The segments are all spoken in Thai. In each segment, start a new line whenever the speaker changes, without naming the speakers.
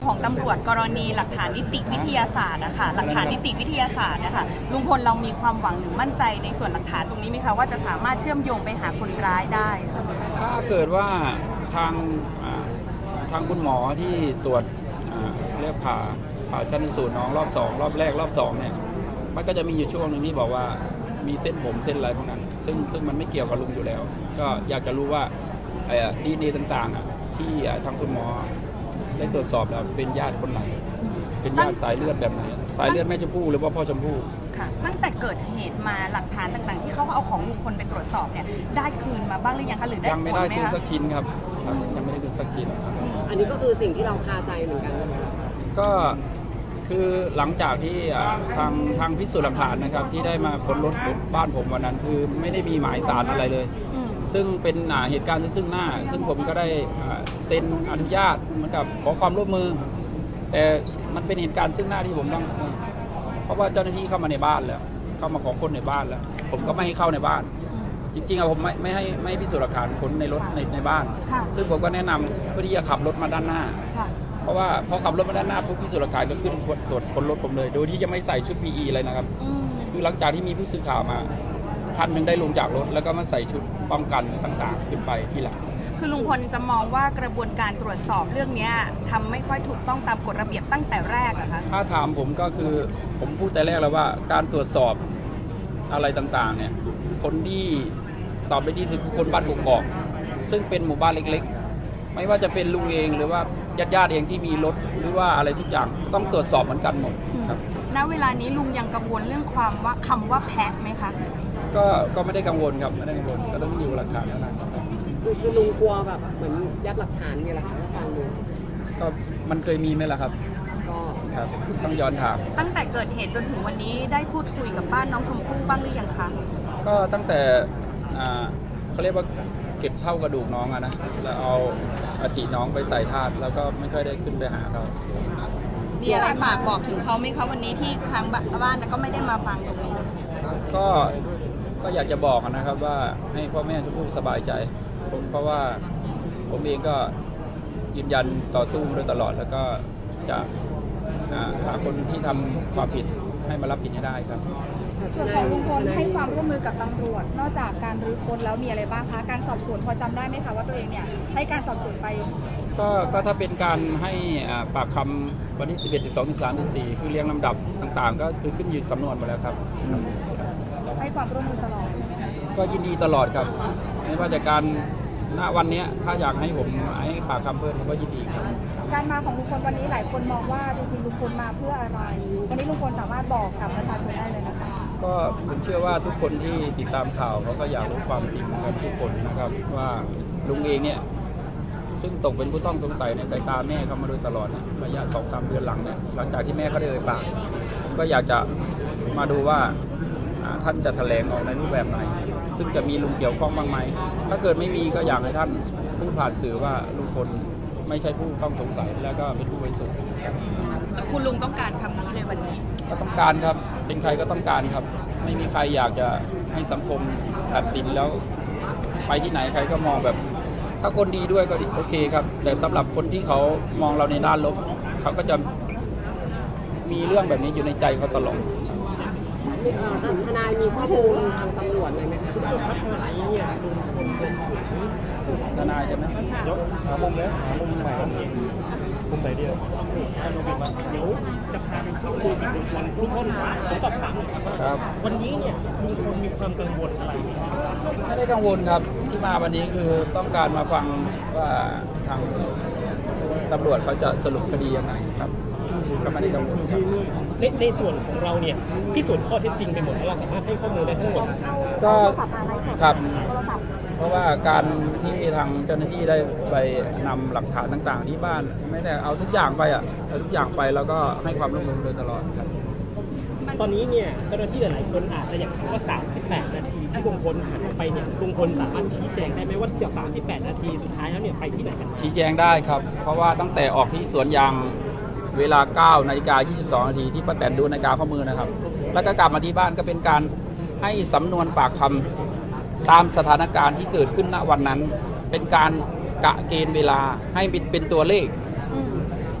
ของตำรวจกรณีหลักฐานนิติวิทยาศาสตร์นะคะหลักฐานนิติวิทยาศาสตร์นะคะลุงพลเรามีความหวังหรือมั่นใจในส่วนหลักฐานตรงนี้ไหมคะว่าจะสามารถเชื่อมโยงไปหาคนร้ายได้
ถ้าเกิดว่าทางคุณหมอที่ตรวจเรียกผ่าชันสูตรน้องรอบ2รอบแรกรอบ2เนี่ยมันก็จะมีอยู่ช่วงหนึ่งที่บอกว่ามีเส้นผมเส้นอะไรพวกนั้นซึ่งมันไม่เกี่ยวกับลุงอยู่แล้ว ก็อยากจะรู้ว่าดีเนต่างๆที่ทางคุณหมอได้ตรวจสอบแล้วเป็นญาติคนไหนเป็นญาติสายเลือดแบบไหนสายเลือดแม่ชมพู่หรือว่าพ่อชมพู่
ค่ะตั้งแต่เกิดเหตุมาหลักฐานต่างๆที่เขาเอาของลุงพลไปตรวจสอบเนี่ยได้คืนมาบ้างหรือยังคะหรือได้
ยังไม่ได้คืนสักชิ้นครับยังไม่ได้คืนสักชิ้น
อันนี้ก็คือสิ่งที่เราคาใจเหมือนกัน
ก็คือหลังจากที่ทางพิสูจน์หลักฐานนะครับที่ได้มาค้นรถบ้านผมวันนั้นคือไม่ได้มีหมายสารอะไรเลยซึ่งเป็นเหตุการณ์ซึ่งหน้าซึ่งผมก็ได้เซ็นอนุญาตเหมือนกับขอความร่วมมือแต่มันเป็นเหตุการณ์ซึ่งหน้าที่ผมต้องเพราะว่าเจ้าหน้าที่เข้ามาในบ้านแล้วเข้ามาขอค้นในบ้านแล้วผมก็ไม่ให้เข้าในบ้านจริงๆผมไม่ให้พิสูจน์หลักฐานค้นในรถในบ้านซึ่งผมก็แนะนำเพื่อที่จะขับรถมาด้านหน้าเพราะว่าพอขับรถมาด้านหน้าปุ๊บพิสูจน์หลักฐานก็ขึ้นตรวจค้นรถผมเลยโดยที่จะไม่ใส่ชุด PE อะไรนะครับคือหลังจากที่มีผู้สื่อข่าวมาท่านหนึ่งได้ลงจากรถแล้วก็มาใส่ชุดป้องกันต่างๆขึ้นไปทีหลัง
คือลุงพลจะมองว่ากระบวนการตรวจสอบเรื่องนี้ทำไม่ค่อยถูกต้องตามกฎระเบียบตั้งแต่แรกอะคะ
ถ้าถามผมก็คือผมพูดแต่แรกแล้วว่าการตรวจสอบอะไรต่างๆเนี่ยคนที่ตอบได้ดีสุดคือคนบ้านกกอกซึ่งเป็นหมู่บ้านเล็กๆไม่ว่าจะเป็นลุงเองหรือว่าญาติเองที่มีรถหรือว่าอะไรทุกอย่างต้องตรวจสอบเหมือนกันหมดครับ
ณเวลานี้ลุงยังกังวลเรื่องคำว่าแพะไหมคะ
ก็ไม่ได้กังวลครับไม่ได้กังวลก็ต้องดูหลักฐานแล้วนะ
คือลุงกลัวแบบเหมือนยัดหลักฐานนี่แหละค่ะฟังดู
ก็มันเคยมีไหมล่ะครับ
ก็
ครับต้องย้อนถาม
ตั้งแต่เกิดเหตุจนถึงวันนี้ได้พูดคุยกับบ้านน้องชมพู่บ้างหรือยังคะ
ก็ตั้งแต่เขาเรียกว่าเก็บเท่ากระดูกน้องนะแล้วเอาอัฐิน้องไปใส่ธาตุแล้วก็ไม่ค่อยได้ขึ้นไปหาเขา
มีอะไรฝากบอกถึงเขาไหมคะวันนี้ที่ทางบ้านก็ไม่ได้มาฟังตรงนี้
ก็อยากจะบอกนะครับว่าให้พ่อแม่ชมพู่สบายใจเพราะว่าผมเองก็ยืนยันต่อสู้มาโดยตลอดแล้วก็จะหาคนที่ทำความผิดให้มารับผิดให้ได้ครับ
ส่วนของลุงพลให้ความร่วมมือกับตำรวจนอกจากการรื้อค้นแล้วมีอะไรบ้างคะการสอบสวนพอจำได้ไหมคะว่าตัวเองเนี่ยให้การสอบสวนไป
ก็ถ้าเป็นการให้ปากคำวันที่11 12 13 14คือเรียงลำดับต่างๆก็คือขึ้นอยู่สำนวนหมดแล้วครับ
ให้ความร่วมมือตลอดใช่ไหมคะ
ก็ยินดีตลอดครับไม่ว่าจะการณวันนี้ถ้าอยากให้ผมให้ปากคำเพิ่มผมก็ยินดีครับ
การมาของลุงพลวันนี้หลายคนมองว่าจริงๆลุงพลมาเพื่ออะไรวันนี้ลุงพลสามารถบอกกับประชาชนได้เลยนะคะ
ก็ผมเชื่อว่าทุกคนที่ติดตามข่าวเขาก็อยากรู้ความจริงกันทุกคนนะครับว่าลุงเองเนี่ยซึ่งตกเป็นผู้ต้องสงสัยในสายตาแม่เขามาโดยตลอดระยะ 2-3 เดือนหลังเนี่ยหลังจากที่แม่เขาได้เอ่ยปากก็อยากจะมาดูว่าท่านจะแถลงออกในรูปแบบไหนซึ่งจะมีลุงเกี่ยวข้องบ้างไหมถ้าเกิดไม่มีก็อยากให้ท่านพูดผ่านสื่อว่าลุงพลไม่ใช่ผู้ต้องสงสัยแล้วก็เป็นผู้บริสุทธิ์
คุณลุงต้องการคำนี้เลยวันนี้
ก็ต้องการครับเป็นใครก็ต้องการครับไม่มีใครอยากจะให้สังคมตัดสินแล้วไปที่ไหนใครก็มองแบบถ้าคนดีด้วยก็โอเคครับแต่สำหรับคนที่เขามองเราในด้านลบเขาก็จะมีเรื่องแบบนี้อยู่ในใจเขาตลอด
ทนายมีข้อมูลทางตำรวจเลยไหมคะ
ทนายใช่ไหม
ยกหามุมเลยหามุมใหม่มุมไหนดีให้มุมเป็นมา
เดี๋ยวจะพาไปเข้าคุยกับลุงพลผมสอบถาม
ครับ
วันนี้เนี่ยลุงพลมีความกังวลอะไร
ไม่ได้กังวลครับที่มาวันนี้คือต้องการมาฟังว่าทางตำรวจเขาจะสรุปคดียังไงครับก็ไม่ได้กังวลครับ
ในส่วนของเราเนี่ยพิสูจน์ข้อเท็จจริงไปหมดแล้วเราสามารถให้ข้อมูลได้ทั้งหมด
ก็ครับเพราะว่าการที่ทางเจ้าหน้าที่ได้ไปนำหลักฐานต่างๆที่บ้านไม่ได้เอาทุกอย่างไปเอาทุกอย่างไปแล้วก็ให้ความร่วมมือโดยตลอดครับ
ตอนนี้เนี่ยเจ้าหน้าที่หลายๆคนอาจจะอยากถามว่า38 นาทีที่ลุงพลหายไปเนี่ยลุงพลสามารถชี้แจงได้ไหมว่า38 นาทีสุดท้ายแล้วเนี่ยไปที่ไหนกัน
ชี้แจงได้ครับเพราะว่าตั้งแต่ออกที่สวนยางเวลา 9:22 นาทีที่ป้าแตนดูนาฬิกาข้อมือนะครับแล้วก็กลับมาที่บ้านก็เป็นการให้สำนวนปากคำตามสถานการณ์ที่เกิดขึ้นณวันนั้นเป็นการกะเกณฑ์เวลาให้เป็นตัวเลข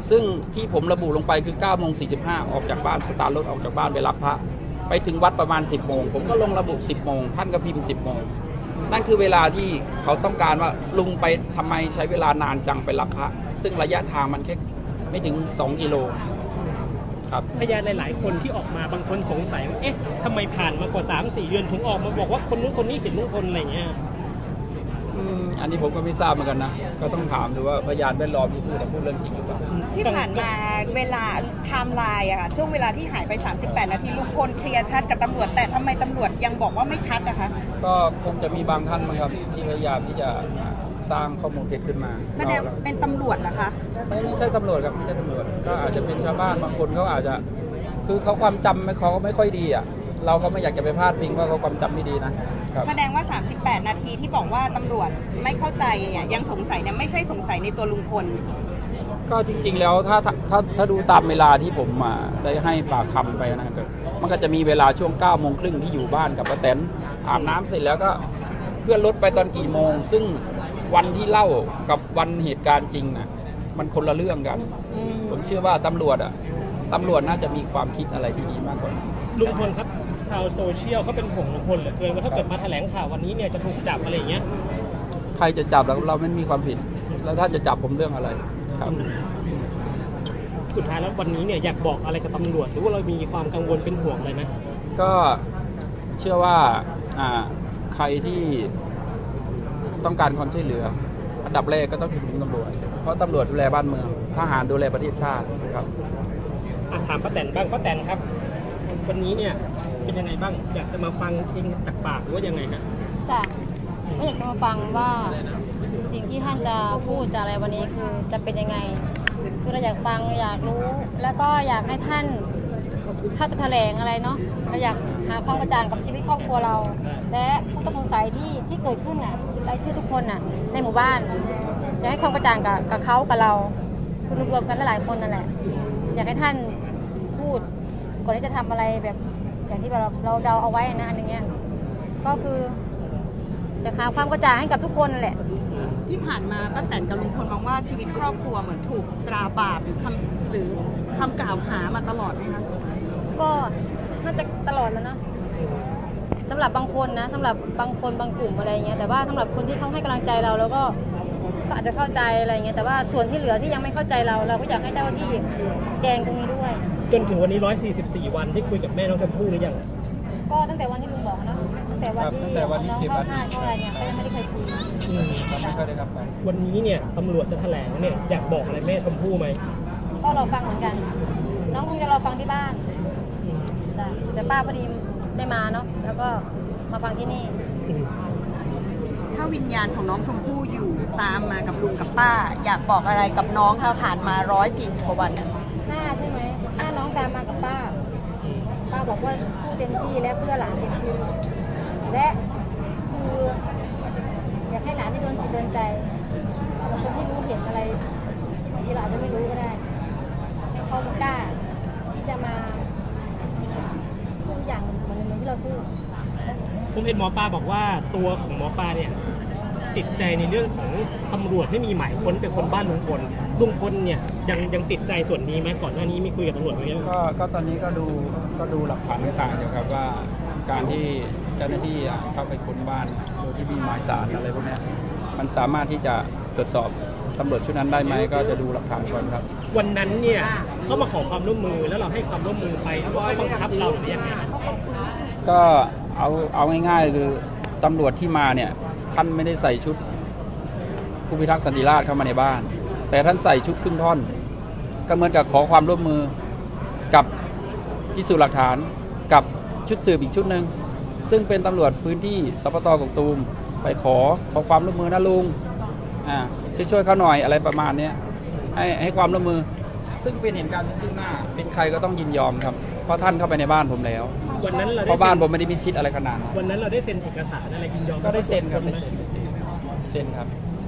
ซึ่งที่ผมระบุลงไปคือ9 โมง 45ออกจากบ้านสตาร์ทรถออกจากบ้านไปรับพระไปถึงวัดประมาณ 10 โมงผมก็ลงระบุ 10 โมงท่านก็พิมพ์ 10 โมงนั่นคือเวลาที่เขาต้องการว่าลุงไปทำไมใช้เวลานานจังไปรับพระซึ่งระยะทางมันแค่ไม่ถึง2 กิโลครับ
พยานหลาย ๆ คนที่ออกมาบางคนสงสัยว่าเอ๊ะทำไมผ่านมากว่า 3-4 เดือนถึงออกมาบอกว่าคนนู้นคนนี้เห็นลุงพลอะไรเงี้ย
อันนี้ผมก็ไม่ทราบเหมือนกันนะก็ต้องถามดูว่าพยานแวดล้อมที่พูดเรื่องจริงหรือเปล่า
ที่ผ่านมาเวลาไทม์ไลน์อะค่ะช่วงเวลาที่หายไป 38 นาทีลุงพลเคลียร์ชัดกับตำรวจแต่ทำไมตำรวจยังบอกว่าไม่ชัดนะคะ
ก็คงจะมีบางท่านมั้งครับที่พยายามที่จะสร้างข้อมูลเท็จขึ้นมา
แสดงเป็นตำรวจนะคะ
ไม่ใช่ตำรวจครับไม่ใช่ตำรวจก็อาจจะเป็นชาวบ้านบางคนเขาอาจจะคือเขาความจำเขาไม่ค่อยดีอ่ะเราก็ไม่อยากจะไปพาดพิงว่าเขาความจำไม่ดีนะครับ
แสดงว่า 38 นาทีที่บอกว่าตำรวจไม่เข้าใจเนี่ยยังสงสัยเนี่ยไม่ใช่สงสัยในตัวลุงพล
ก็จริงๆแล้วถ้าดูตามเวลาที่ผมได้ให้ปากคำไปนะครับมันก็จะมีเวลาช่วง9 โมงครึ่งที่อยู่บ้านกับป้าแตนอาบน้ำเสร็จแล้วก็เคลื่อนรถไปตอนกี่โมงซึ่งวันที่เล่ากับวันเหตุการณ์จริงนะมันคนละเรื่องกัน ผมเชื่อว่าตำรวจน่าจะมีความคิดอะไรที่ดีมากกว่านั้น
ลุงพลครับชาวโซเชียลเขาเป็นห่วงลุงพลเหลือเกินว่าถ้าเกิดมาแถลงข่าววันนี้เนี่ยจะถูกจับอะไรอย่างเงี้ย
ใครจะจับแล้วเราไม่มีความผิด แล้วท่านจะจับผมเรื่องอะไรครับ
สุดท้ายแล้ววันนี้เนี่ยอยากบอกอะไรกับตำรวจหรือว่าเรามีความกังวลเป็นห่วงอะไรไหม
ก็เชื่อว่าใครที่ต้องการความช่วยเหลืออันดับแรกก็ต้องถึงตำรวจเพราะตำรวจดูแลบ้านเมืองทหารดูแลประเทศชาติครับ
ถามป้าแตนบ้างป้าแตนครับ วันนี้เนี่ยเป็นยังไงบ้างอยากจะมาฟังเองจากปากหรือว่ายังไงฮะ
จ้ะไม่อยากจะมาฟังว่าสิ่งที่ท่านจะพูดจะอะไรวันนี้คือจะเป็นยังไงคือเราอยากฟังอยากรู้ แล้วก็อยากให้ท่านถ้าจะแถลงอะไรเนาะเราอยากหาความกระจ่างกับชีวิตครอบครัวเรา และผู้ต้องสงสัยที่เกิดขึ้นน่ะรายชื่อทุกคนน่ะในหมู่บ้านอยากให้ความกระจ่างกับเขากับเราคือรวมๆกันหลายๆคนนั่นแหละอยากให้ท่านพูดก่อนที่จะทำอะไรแบบอย่างที่เราเดาเอาไว้นะอันอย่างเงี้ยก็คือจะหาความกระจ่างให้กับทุกคนนั่นแหละ
ที่ผ่านมาป้าแตนกับลุงพลมองว่าชีวิตครอบครัวเหมือนถูกตราบาปหรือคำกล่าวหามาตลอดไหมคะ
ก็น่าจะตลอดแล้วเนาะสำหรับบางคนนะสำหรับบางคนบางกลุ่มอะไรเงี้ยแต่ว่าสำหรับคนที่เขาให้กำลังใจเราแล้วก็อาจจะเข้าใจอะไรเงี้ยแต่ว่าส่วนที่เหลือที่ยังไม่เข้าใจเราก็อยากให้เจ้าหน้าที่แจงตรงนี้ด้วย
จนถึงวันนี้144 วันได้คุยกับแม่น้องชมพู่หรือยัง
ก็ตั้งแต่วันที่ลุงบอกนะตั้งแต่วันที่น้องเข้าห้างเข้าอะไรเนี่ยก็ยังไม่ได้เคยคุย
ไม่ค่อยได้ครับ
วันนี้เนี่ยตำรวจจะแถลงเนี่ยอยากบอกอะไรแม่ชมพู่ไหม
ก็รอฟังเหมือนกันน้องคงจะรอฟังที่บ้านจ้ะแต่ป้าพอดีได้มาเนาะแล้วก็มาฟังที่นี่
ถ้าวิญญาณของน้องชมพู่อยู่ตามมากับลุงกับป้า อยากบอกอะไรกับน้องค่ะผ่านมา140 กว่าวันเนี่ย
ถ้าใช่ไหมถ้าน้องตามมากับป้าบอกว่าสู้เต็มที่และเพื่อหลานเต็มที่และคืออยากให้หลานได้โดนจิตโดนใจสำหรับคนที่รู้เห็นอะไรที่บางทีเราอาจจะไม่รู้ก็ได้ให้เขากล้าที่จะมาสู้อย่างเหมือนที่เราสู้
ผมเห็นหมอปลาบอกว่าตัวของหมอปลาเนี่ยติดใจในเรื่องของตำรวจไม่มีหมายค้นไปค้นบ้านลุงพลเนี่ยยังติดใจส่วนนี้ไหมก่อนหน้านี้มีคุยกับตำรวจไหมครับ
ก็ตอนนี้ก็ดูหลักฐานต่างๆอยู่ครับว่าการที่เจ้าหน้าที่เข้าไปค้นบ้านโดยที่มีหมายสารอะไรพวกนี้มันสามารถที่จะตรวจสอบตำรวจชุดนั้นได้ไหมก็จะดูหลักฐานก่อนครับ
วันนั้นเนี่ยเขามาขอความร่วมมือแล้วเราให้ความร่วมมือไปหรือว่าเขาบังคับเราหรือยังไง
ก็เอาง่ายๆคือตำรวจที่มาเนี่ยท่านไม่ได้ใส่ชุดผู้พิทักษ์สันติราษฎร์เข้ามาในบ้าน แต่ท่านใส่ชุดครึ่งท่อนก็เหมือนกับขอความร่วมมือกับพิสูจน์หลักฐานกับชุดสืบอีกชุดหนึ่งซึ่งเป็นตำรวจพื้นที่สปต.กกตูมไปขอความร่วมมือนะลุงช่วยเขาหน่อยอะไรประมาณนี้ให้ความร่วมมือซึ่งเป็นเหตุการณ์ซึ่งหน้าเป็นใครก็ต้องยินยอมครับเพราะท่านเข้าไปในบ้านผมแล้ว
วันนั้นเรา
เพ
ได้
ราะบ้านผมไม่ได้มิดชิดอะไรขนาดนั้น
วันนั้นเราได้เซ็นเอกสารอะไรยินยอม
ก็ได้เซ็นครับได้เซ็นครับ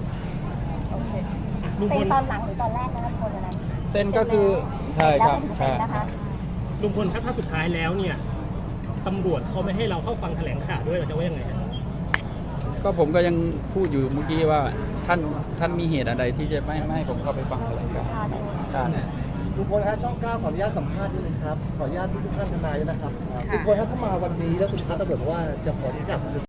ลุงพล
ตอนหลังหรือตอนแรกนะลุงพลอะไร
เซ็นก็คือใช่ครับใช่
ลุงพลครับถ้าสุดท้ายแล้วเนี่ยตำรวจเขาไม่ให้เราเข้าฟังแถลงข่าวด้วยเราจะว่ายังไงครับ
ก็ผมก็ยังพูดอยู่เมื่อกี้ว่าท่านมีเหตุอะไรที่จะไม่ให้ผมเข้าไปฟังอะไรกันการ
ลุงพลครับช่อง 9 ขออนุญาตสัมภาษณ์นิดนึงครับ ขออนุญาตทุกท่านทนายด้วยนะครับลุงพลครับถ้ามาวันนี้แล้วสุดท้ายตำรวจบอกว่าจะขอที่จับ